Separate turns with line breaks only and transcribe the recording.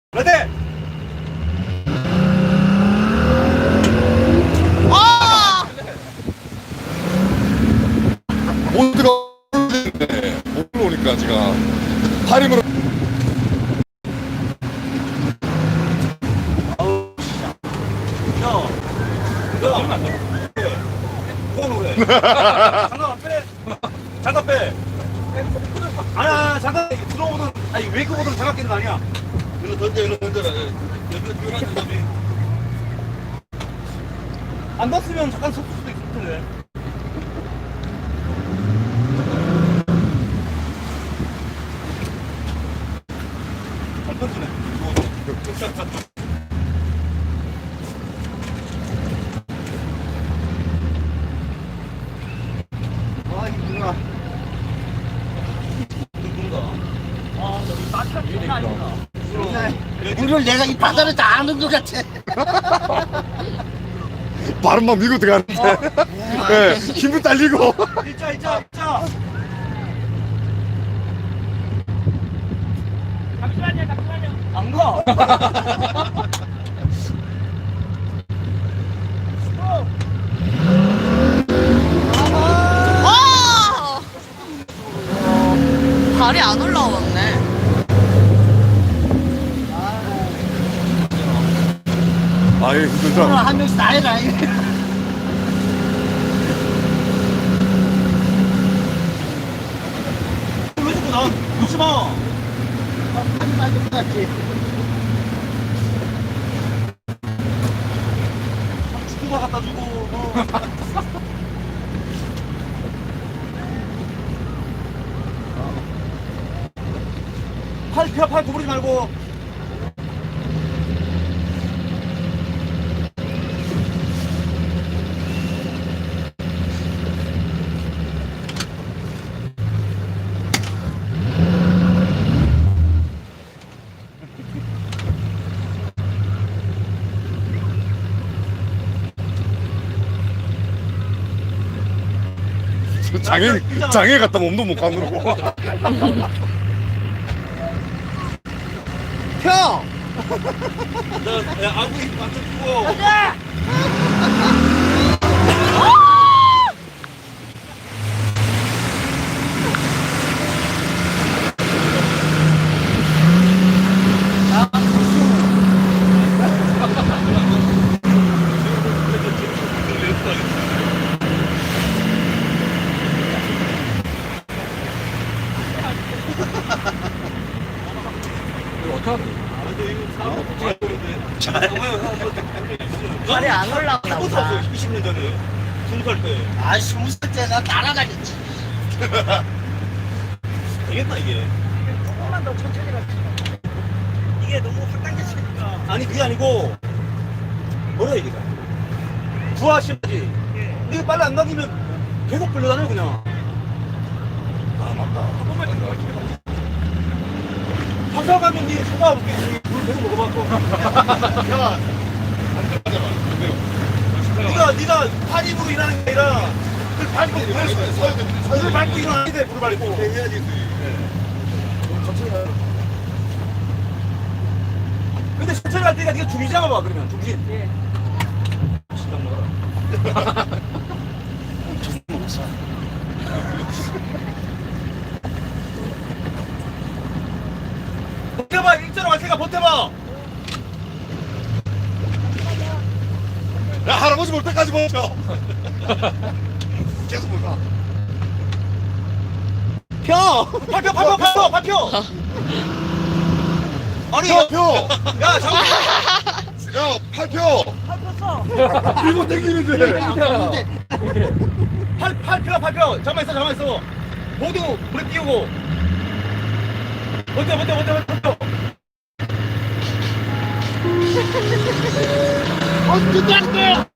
레디!
아!
모두가 못 올라오니까 지금 팔힘으로
장갑 안 빼! 장갑 빼! 아니야, 장갑 들어오거든. 아니, 웨이크보드는 장갑 끼는 거 아니야.
일로 던져 일로 던져라.
안 닿으면 잠깐 섰을 수도 있을 텐데. 안 던지네. 아, 힘들어.
물을 내가 이 바다를 다 아는 것 같아.
발음만 밀고 들어가는데 네, 힘을 딸리고
일자. 잠시만요. 안 가.
아! 발이 안 올라왔네.
아예
오늘
힘들다.
한 명씩 다 해라.
왜 자꾸 나 놓지 마.
한 마디 것 같지.
주고 갖다 주고. 팔 구부리지 말고.
장애 갔다 몸도 못 가누르고.
형!
야, 아구이 완전 죽어.
발이 안 올라오나 보다.
20년 전에 20살 때
아, 20살 때 나 날아다녔지.
되겠다 이게.
조금만 더 천천히 갈게. 이게 너무 확 당겼으니까.
아니 그게 아니고 뭐라 이게 부하심지. 이게 빨리 안 당기면 계속 끌려다녀 그냥. 아 맞다. 항상 가면 니 소화 볼게. 물 계속 먹어봤고. 야, 네가 파집으로 일하는 게 아니라 그 밟고 물을 밟고 일어나야 돼. 물을 밟고 해야지. 천천히 가. 근데 천천히 갈 때가 네가 중심 잡아봐 그러면 중심. 예. 식당 먹어라. 버텨봐 일자로 갈 테니까 버텨봐.
야 할아버지 볼 때까지 버텨. 계속 볼까?
펴! 발표! 아니,
펴!
야, 잠깐!
야 팔펴! 밀고 당기는데.
팔표! 잠깐만 있어. 모두 불에 띄우고. 버텨!
어떻게 안 돼?